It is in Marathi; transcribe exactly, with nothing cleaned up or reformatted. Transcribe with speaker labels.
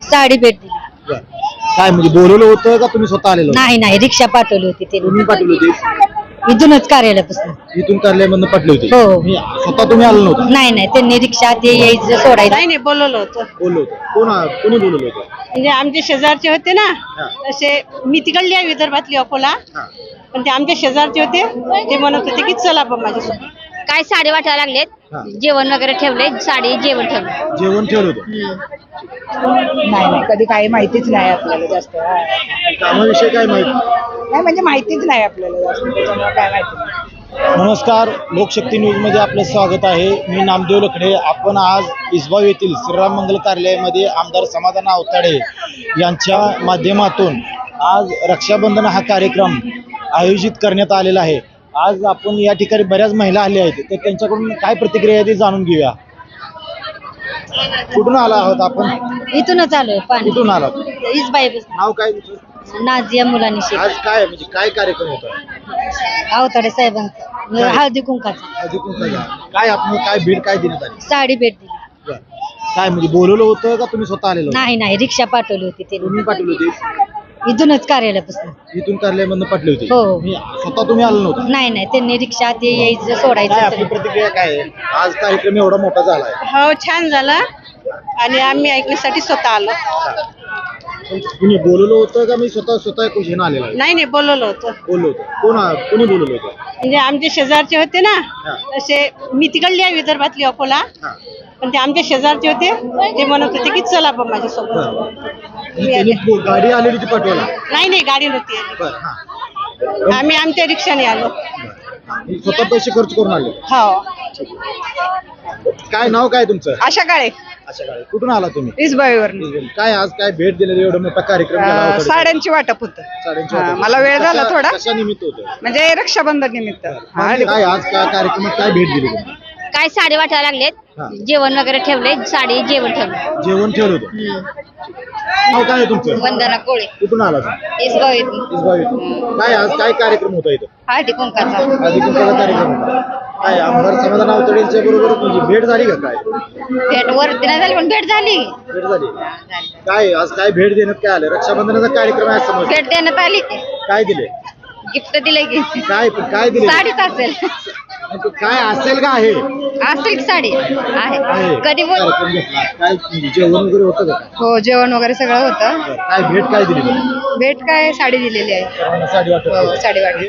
Speaker 1: साडी भेट दिली.
Speaker 2: बरं. काय म्हणजे बोलवलं होतं का तुम्ही स्वतः आलेलो
Speaker 1: नाही नाही रिक्षा पाठवली होती
Speaker 2: तुम्ही
Speaker 1: त्यांनी
Speaker 2: पाठवली होती
Speaker 1: इथूनच कार्यालयापासून.
Speaker 2: इथून कार्यालयामधून पाठवली होती
Speaker 1: हो.
Speaker 2: मी स्वतः तुम्ही आलो नव्हता
Speaker 1: नाही नाही त्यांनी रिक्षा ते यायचं सोडायचं.
Speaker 3: नाही नाही बोलवलं होतं.
Speaker 2: बोललो होतो कोण आ- कोणी बोलवलं होतं
Speaker 3: म्हणजे आमचे शेजारचे होते ना,
Speaker 2: हा.
Speaker 3: तसे मी तिकडली आहे विदर्भातली अकोला,
Speaker 2: हा.
Speaker 3: पण ते आमचे शेजारचे होते. ते म्हणत होते की चला बा माझ्यासोबत.
Speaker 1: काय साडी वाटायला
Speaker 2: हा.
Speaker 1: लागलेत जेवण वगैरे ठेवले साडी जेवण ठेवलं.
Speaker 2: जेवण ठेवलं होतं
Speaker 4: नाही नाही कधी काही माहितीच नाही आपल्याला जास्त.
Speaker 2: कामाविषयी काय माहिती
Speaker 4: नाही म्हणजे माहितीच नाही आपल्याला जास्त, त्याच्यामुळे काय माहिती नाही.
Speaker 2: नमस्कार, लोकशक्ती न्यूज मध्ये आपलं स्वागत आहे. मी नामदेव लखडे. आपण आज इसबाव येथील श्रीराम मंगल कार्यालयामध्ये आमदार समाधान आवताडे यांच्या माध्यमातून आज रक्षाबंधन हा कार्यक्रम आयोजित करण्यात आलेला आहे. आज आपण या ठिकाणी बऱ्याच महिला आल्या आहेत, तर त्यांच्याकडून काय प्रतिक्रिया आहे ते जाणून घेऊया. कुठून आला आहोत आपण?
Speaker 1: इथूनच आलोय पाणी
Speaker 2: कुठून आलात?
Speaker 1: इसबाई
Speaker 2: नाव काय तुमचं?
Speaker 1: नाझिया मुलांनी
Speaker 2: आज काय म्हणजे काय कार्यक्रम होता?
Speaker 1: आवताडे साहेबांचा
Speaker 2: काय?
Speaker 1: हळदी कुंकाचा
Speaker 2: आधी कोणता काय आपण काय भेट काय देण्यात आली?
Speaker 1: साडी भेट दिली.
Speaker 2: बरं. काय म्हणजे बोलवलं होतं का तुम्ही स्वतः आलेलो?
Speaker 1: नाही नाही रिक्षा पाठवली होती
Speaker 2: तुम्ही
Speaker 1: त्यांनी
Speaker 2: पाठवली होती
Speaker 1: इथूनच कार्यालयापासून.
Speaker 2: इथून कार्यालयामधून पाठवली होती
Speaker 1: हो.
Speaker 2: मी स्वतः तुम्ही आलो नव्हता
Speaker 1: नाही नाही त्यांनी रिक्षा ते यायचं
Speaker 2: काय आपली
Speaker 1: सोडायचं.
Speaker 2: प्रतिक्रिया काय आहे? आज कार्यक्रम एवढा मोठा झालाय.
Speaker 3: हो छान झालं आणि आम्ही ऐकण्यासाठी स्वतः आलो.
Speaker 2: तुम्ही बोलवलं होतं का मी स्वतः स्वतः कुठे आलेला आहे?
Speaker 3: नाही नाही बोलवलं होतं.
Speaker 2: बोललो होतो कोण आ- कोणी बोलवलं होतं?
Speaker 3: म्हणजे आमचे शेजारचे होते ना,
Speaker 2: हा.
Speaker 3: तसे मी तिकडली आहे विदर्भातली अकोला,
Speaker 2: हा.
Speaker 3: पण ते आमचे शेजारचे होते. ते म्हणत होते की चला बा माझ्यासोबत.
Speaker 2: आणि त्यांनी बो- गाडी आलेली होती पाठवायला.
Speaker 3: नाही नाही गाडी नव्हती आली.
Speaker 2: बरं हा
Speaker 3: आम्ही आमच्या रिक्षाने आलो.
Speaker 2: मी स्वतः पैसे खर्च करून आले.
Speaker 3: हो.
Speaker 2: काय नाव काय तुमचं?
Speaker 4: अशा काळे
Speaker 2: अशा गाडी कुठून आला तुम्ही?
Speaker 4: इसबाईवर
Speaker 2: काय आज काय भेट दिलेली एवढा मोठा कार्यक्रम झाला होता?
Speaker 4: साड्यांची वाटप होतं.
Speaker 2: साड्यांची
Speaker 4: हा,
Speaker 2: वाटप.
Speaker 4: मला वेळ झाला
Speaker 2: कशा-
Speaker 4: थोडा.
Speaker 2: कशा निमित्त होतं?
Speaker 4: म्हणजे रक्षाबंधन निमित्त. हा,
Speaker 2: काय आज काय कार्यक्रमात काय भेट दिली तुम्ही?
Speaker 1: काय साडी वाटायला
Speaker 2: हा.
Speaker 1: लागलेत जेवण वगैरे ठेवले साडी जेवण ठेवलं.
Speaker 2: जेवण ठेवलं होतं नाव काय आहे तुमचं?
Speaker 1: वंदना कोळे
Speaker 2: कुठून आला तुम्ही?
Speaker 1: इसगाव येथून
Speaker 2: इसबाव इथून. काय आज काय कार्यक्रम होता इथं?
Speaker 1: हळदी कुंकाचा.
Speaker 2: आधी कोणता कार्यक्रम होता? काय आमदार समाधान आवताडेंच्या बरोबर तुझी भेट झाली का? काय
Speaker 1: भेट वरती नाही झाली पण भेट झाली.
Speaker 2: भेट झाली काय आज काय भेट देण्यात काय आलं? रक्षाबंधनाचा कार्यक्रम आहे समोर.
Speaker 1: भेट देण्यात आली की
Speaker 2: काय दिले?
Speaker 1: गिफ्ट दिले की
Speaker 2: काय काय दिले?
Speaker 1: साडीच असेल
Speaker 2: काय असेल का आहे?
Speaker 1: असेल की साडी आहे
Speaker 2: आहे.
Speaker 1: कधी बोल
Speaker 2: कार्यक्रम घेतला. काय जेवण वगैरे होतं का?
Speaker 4: हो जेवण वगैरे सगळं होतं.
Speaker 2: काय भेट काय दिली तुम्ही?
Speaker 4: भेट काय साडी दिलेली आहे.
Speaker 2: साडी वाटत
Speaker 4: साडी वाटप.